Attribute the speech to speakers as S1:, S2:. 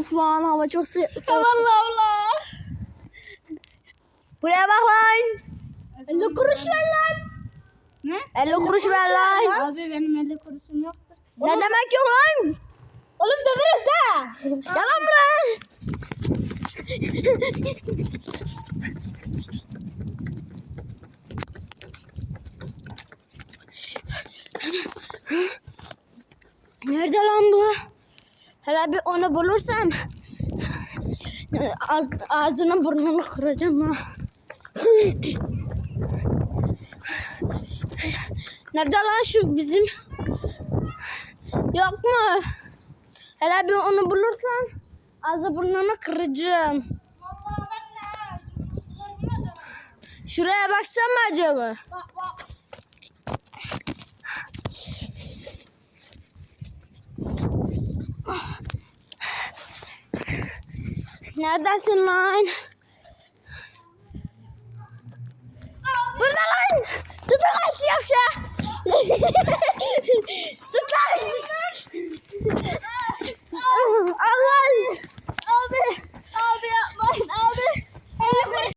S1: Şu an hava çok soğuk.
S2: Allah Allah.
S1: Buraya bak lan.
S2: 50 kuruş ver lan. Ne?
S1: 50 kuruş ver lan.
S2: Abi benim 50 kuruşum yoktur.
S1: Ne demek yok lan?
S2: Oğlum döveriz ha.
S1: Yalan mı lan? Nerede lan bu? Hele bir onu bulursam ağzını burnunu kıracağım ha. Nerede lan şu bizim? Yok mu? Hele bir onu bulursam ağzı burnunu kıracağım.
S2: Vallahi ben ne?
S1: Şuraya baksam mı acaba?
S2: Bak bak.
S1: Neredesin lan? Burada lan! Tutun lan şu yavşağı!